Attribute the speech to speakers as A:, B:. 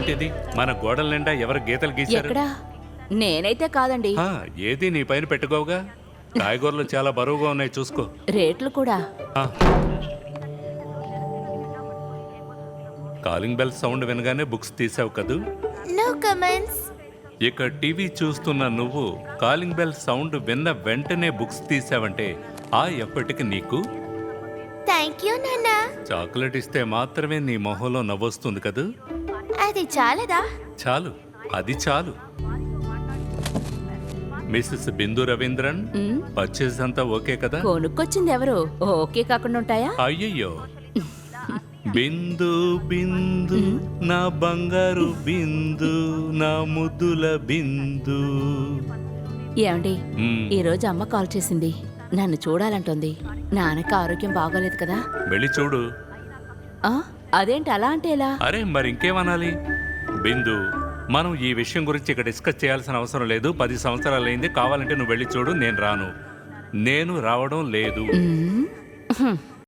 A: ఏంటిది మన గోడల నిండా ఎవరు గీతలు గీశారు?
B: ఎక్కడా? నేనైతే కాదండి.
A: ఏది నీ పైన పెట్టుకోవుగా. కాయగూరలు చాలా బరువుగా ఉన్నాయి, చూసుకో.
B: రేట్లు కూడా.
A: ఆ. కాలింగ్ బెల్ సౌండ్ వినగానే బుక్స్ తీసావు కదూ.
C: No comments.
A: ఇక టీవీ చూస్తున్న నువ్వు కాలింగ్ బెల్ సౌండ్ విన్న వెంటనే బుక్స్ తీసావంటే ఆ ఎప్పటికి నీకు
C: థ్యాంక్ యూ నాన్న.
A: చాక్లెట్ ఇస్తే మాత్రమే నీ మొహంలో నవ్వొస్తుంది కదూ.
C: అది చాలదా?
A: చాలు, అది చాలు. Mrs Bindu Raveendran,
B: um,
A: purchase అంతా ఓకే కదా?
B: కొనుక్కొచ్చింది ఎవరు? ఓకే కాకుండా ఉంటాయా?
A: అయ్యయ్యో, బిందు బిందు నా బంగారు బిందు, నా ముద్దుల బిందు.
B: ఏమండి,
A: మ్మ్.
B: ఈ రోజు అమ్మ కాల్ చేసింది. నన్ను చూడాలంటోంది. నాన్నకి ఆరోగ్యం బాగోలేదు కదా.
A: వెళ్ళి చూడు.
B: ఆ, అదేంటి అలా అంటే ఎలా?
A: అరే మరి ఇంకేమనాలి? బిందు, మనం ఈ విషయం గురించి ఇక్కడ డిస్కస్ చేయాల్సిన అవసరం లేదు. 10 సంవత్సరాలైంది. కావాలంటే నువ్వు వెళ్ళి చూడు, నేను రాను. నేను రావడం లేదు.
B: ఉమ్, హ్మ్.